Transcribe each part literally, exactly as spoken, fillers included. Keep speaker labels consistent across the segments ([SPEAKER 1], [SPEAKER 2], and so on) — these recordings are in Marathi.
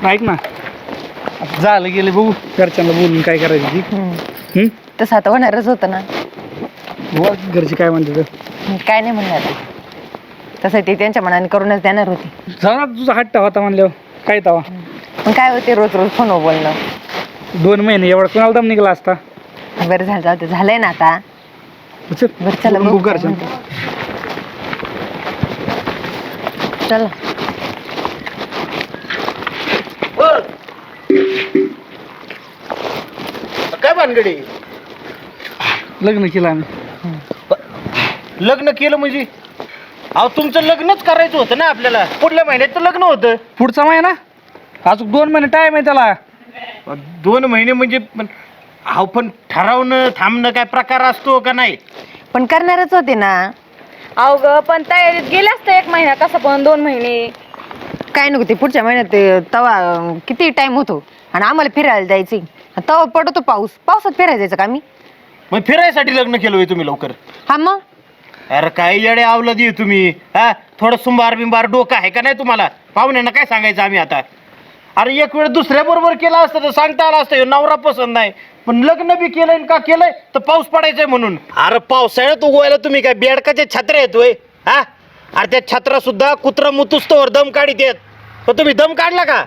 [SPEAKER 1] ऐक ना, आता झालं गेले बघू घरच्यांना बोलून काय करायचं ती. हम्म?
[SPEAKER 2] तसं आता होणारच होतं ना.
[SPEAKER 1] बुवा, घरचे काय म्हणते तर
[SPEAKER 2] काय नाही म्हणणार, तसं ते त्यांच्या मनाने करूनच देणार होती.
[SPEAKER 1] झाला तुझा हट्ट होता म्हणल्यावर काय तवा.
[SPEAKER 2] पण काय होते रोज रोज फोनवर बोलणं.
[SPEAKER 1] दोन महिने एवढा कोणाला दम निघाला असता.
[SPEAKER 2] बरं झालं, जाऊ दे, झालंय ना आता.
[SPEAKER 1] चल,
[SPEAKER 2] बरं चला
[SPEAKER 1] बघू
[SPEAKER 2] बघू
[SPEAKER 1] घरच्या.
[SPEAKER 2] चला.
[SPEAKER 3] काय भानगडी?
[SPEAKER 1] लग्न केलं आम्ही.
[SPEAKER 3] लग्न केलं म्हणजे? अहो तुमचं लग्नच करायचं होतं ना आपल्याला. पुढल्या महिन्यात तर लग्न होतं.
[SPEAKER 1] पुढचा महिना अजून दोन महिने टाइम आहे त्याला.
[SPEAKER 3] दोन महिने म्हणजे पण अहो पण ठरवणं थांबणं काय प्रकार असतो का नाही?
[SPEAKER 2] पण करणारच होते ना.
[SPEAKER 4] अहो ग पण तयारीत गेले असते एक महिना, कसं पण दोन महिने.
[SPEAKER 2] काय नको ते पुढच्या महिन्यात ते तवा अं, किती टाइम होतो आणि आम्हाला फिरायला जायची. तवा पडतो पाऊस, पावसात फिरायला जायचं का आम्ही?
[SPEAKER 3] मग फिरायसाठी लग्न केलं होय तुम्ही लवकर?
[SPEAKER 2] हा मग
[SPEAKER 3] अरे काय येडे आवलं दे तुम्ही. हा थोडं सुंबार बिंबार डोकं आहे का नाही तुम्हाला? पाहुण्यांना काय सांगायचं आम्ही आता? अरे एक वेळ दुसऱ्या बरोबर केलं असतं तर सांगता आलं असतं ह्यो नवरा पसंत नाही, पण लग्न बी केलंय का केलंय तर पाऊस पडायचंय म्हणून. अरे पावसाळ्यात उगवायला तुम्ही काय बेडकाचे छत्रे येतोय? हा अरे त्या छत्रा सुद्धा कुत्रा मुतुस्तोवर दम काढीत येत, पण तुम्ही दम काढला का?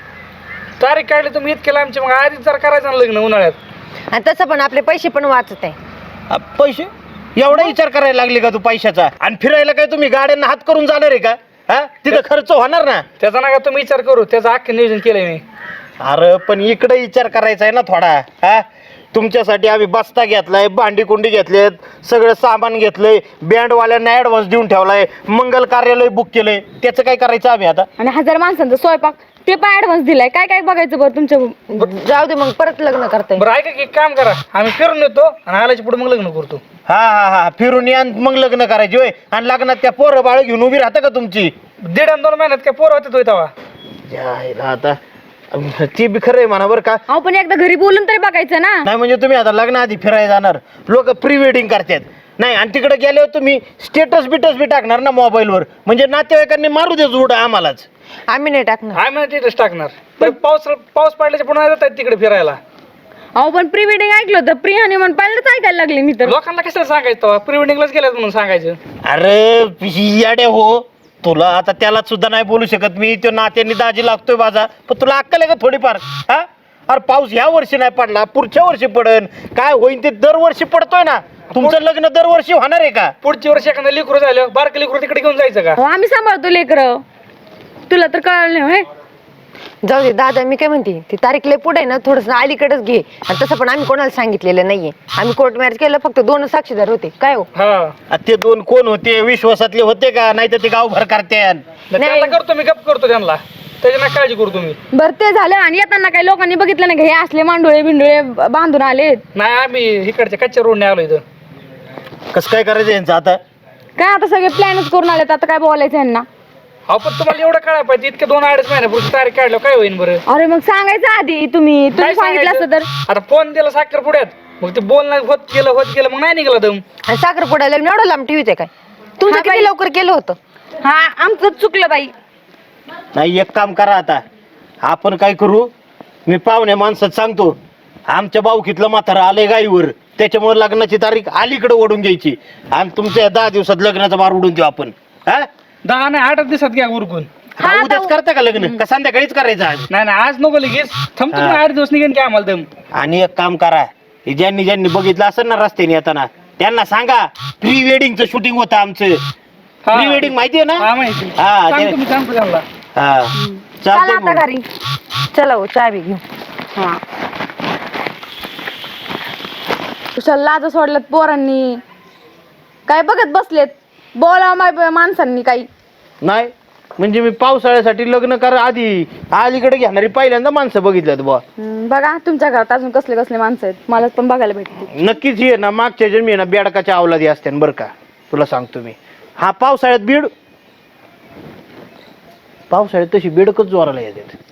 [SPEAKER 1] तारीख काढली तुम्ही इतकेला आमची, मग आधीच जर करायचं ना लग्न उन्हाळ्यात.
[SPEAKER 2] आणि तसं पण आपले पैसे पण वाचत आहे.
[SPEAKER 3] अ, पैसे एवढा विचार करायला लागले का तू पैशाचा? आणि फिरायला काय तुम्ही गाड्यांना हात करून जाणार आहे का? हा तिथं खर्च होणार ना.
[SPEAKER 1] त्याचा नका तुम्ही विचार करू, त्याचं अख्खं नियोजन केलंय मी.
[SPEAKER 3] अरे पण इकडे विचार करायचा आहे ना थोडा. हा तुमच्यासाठी आम्ही बस्ता घेतलाय, भांडी कुंडी घेतलेत, सगळं सामान घेतलंय, बँडवाल्यांना ऍडव्हान्स देऊन ठेवलाय, मंगल कार्यालय बुक केलंय. त्याचं काय करायचं आम्ही आता?
[SPEAKER 4] आणि हजार माणसांचा स्वयंपाक ते पण ऍडव्हान्स दिलाय. काय काय बघायचं बरं तुमच्या?
[SPEAKER 2] जाऊ दे मग परत लग्न करताय.
[SPEAKER 1] बरं ऐका की, एक काम करा, आम्ही फिरून येतो आणि आल्याच्या पुढे मग लग्न करतो.
[SPEAKER 3] हा हा हा फिरून या आणि मग लग्न करायचे होय. आणि लग्नात त्या पोरं बाळ घेऊन उभी राहता का तुमची?
[SPEAKER 1] दीड आणि दोन महिन्यात काय पोरं होते तवा.
[SPEAKER 3] जायला आता ती बी खरं आहे म्हणा बरं का.
[SPEAKER 4] अहो पण एकदा घरी बोलून तरी बघायचं ना.
[SPEAKER 3] नाही म्हणजे तुम्ही आता लग्नाआधी फिरायला जाणार, लोक प्री वेडिंग करतात नाही, आणि तिकडे गेल्यावर तुम्ही स्टेटस बिटस बी टाकणार ना मोबाईलवर, म्हणजे नातेवाईकांनी मारू दे जोड आम्हालाच.
[SPEAKER 2] आम्ही नाही टाकणार.
[SPEAKER 1] आम्ही तिथेच टाकणार. तर पाऊस पाऊस पडल्याच्या पुन्हा जातात तिकडे फिरायला.
[SPEAKER 4] अहो पण प्री वेडिंग ऐकलं होतं, प्री हनीमून पहिल्यांदाच ऐकायला लागले मी तर.
[SPEAKER 1] लोकांना कशाला सांगायचं, प्री वेडिंगलाच गेल्यात म्हणून सांगायचं.
[SPEAKER 3] अरे याडे हो, तुला आता त्याला सुद्धा नाही बोलू शकत मी, तो नात्याने दाजी लागतोय माझा, पण तुला अक्कल आहे का थोडीफार? हा अरे पाऊस ह्या वर्षी नाही पडला, पुढच्या वर्षी पडन, काय होईन ते दरवर्षी पडतोय ना. तुमचं लग्न दरवर्षी होणार आहे का?
[SPEAKER 1] पुढच्या वर्षी एखादं लेकरू झालं, बारकं लेकरू तिकडे घेऊन जायचं का?
[SPEAKER 4] अहो आम्ही सांभाळतो लेकरं, तुला तर कळलं नाही होय?
[SPEAKER 2] जाऊ दे दादा, मी काय म्हणते, ती तारीख लय पुढे ना, थोडस अलीकडेच घे. आणि तसं पण आम्ही कोणाला सांगितलेलं नाहीये. आम्ही कोर्ट मॅरेज केलं, फक्त दोन साक्षीदार होते. काय हो?
[SPEAKER 1] हा
[SPEAKER 3] आ, ते दोन कोण होते? विश्वासातले होते का? नाही तर ते गावभर करते.
[SPEAKER 1] त्यांना करतो मी, गप करतो त्यांना, त्याची ना काळजी करू तुम्ही.
[SPEAKER 4] बरं ते झालं. आणि येताना काही लोकांनी बघितलं नाही का हे असले मांडोळे बिंडोळे बांधून आले?
[SPEAKER 1] नाही आम्ही इकडच्या कच्च्या रोडने आलो इथं.
[SPEAKER 3] कसं काय करायचं यांचं आता?
[SPEAKER 4] काय आता सगळे प्लॅनच करून आलेत, आता काय बोलायचं यांना?
[SPEAKER 1] अहो पण तुम्हाला एवढं कळायला पाहिजे, इतके दोन अडीच महिन्यापूर्वी तारीख काढलं काय होईल बरं?
[SPEAKER 4] अरे मग सांगायचं आधी, तुम्ही तुम्ही
[SPEAKER 1] काय
[SPEAKER 4] सांगितलं असतं तर.
[SPEAKER 1] आता फोन दिला साखर पुढ्यात, मग ते बोलणं होत गेलं होत गेलं, मग नाही निघाला दम.
[SPEAKER 2] आणि साखर पुडायला एवढं लांब टीव्हीच आहे काय? तुमचं
[SPEAKER 4] हा,
[SPEAKER 2] किती
[SPEAKER 4] बाई.
[SPEAKER 2] लवकर केलं होतं?
[SPEAKER 4] हा आमचं चुकलं बाई.
[SPEAKER 3] नाही एक काम करा आता, आपण काय करू, मी पाहुण्या माणसात सांगतो, आमच्या बावकीतलं म्हातारं आलंय गाईवर, त्याच्यामुळे लग्नाची तारीख अलीकडे ओढून घ्यायची आणि तुमच्या दहा दिवसात लग्नाचा बार उडून देऊ आपण. हा
[SPEAKER 1] दहा नाही आठ दिवसात घ्या उरकून.
[SPEAKER 3] हा, उद्याच करता का लग्न, का संध्याकाळीच करायचं आज?
[SPEAKER 1] नाही नाही आज नको लगेच, थांबतो
[SPEAKER 3] हा.
[SPEAKER 1] मी आठ दिवस निघेन की आम्हाला दम.
[SPEAKER 3] आणि एक काम करा, हे ज्यांनी ज्यांनी बघितलं असेल ना रस्त्याने येताना, त्यांना सांगा प्री वेडिंगचं शूटिंग होतं आमचं.
[SPEAKER 1] हा.
[SPEAKER 3] प्री वेडिंग माहितीये ना?
[SPEAKER 1] हा माहिती.
[SPEAKER 3] हा, ते-
[SPEAKER 1] सांगतो मी, सांगतो त्यांना.
[SPEAKER 3] हा
[SPEAKER 2] चला
[SPEAKER 3] चालतंय
[SPEAKER 2] आता
[SPEAKER 3] मग.
[SPEAKER 2] घरी. चला हो, चहा बी घेऊ.
[SPEAKER 4] हा कुशाला लाज सोडल्यात पोरांनी, काय बघत बसलेत, बोला माय माणसांनी काही.
[SPEAKER 3] नाही म्हणजे मी पावसाळ्यासाठी लग्न करा आधी अलीकडे घेणारी पहिल्यांदा माणसं बघितल्यात बुवा.
[SPEAKER 4] हम्म, बघा तुमच्या घरात अजून कसले कसले माणसं आहेत, मला पण बघायला भेटते.
[SPEAKER 3] नक्कीच ये ना, मागच्या जन्मी ना बेडकाच्या अवलादी असते बरं का, तुला सांगतो मी. हा पावसाळ्यात बीड, पावसाळ्यात तशी बेडकच जोराला येतात.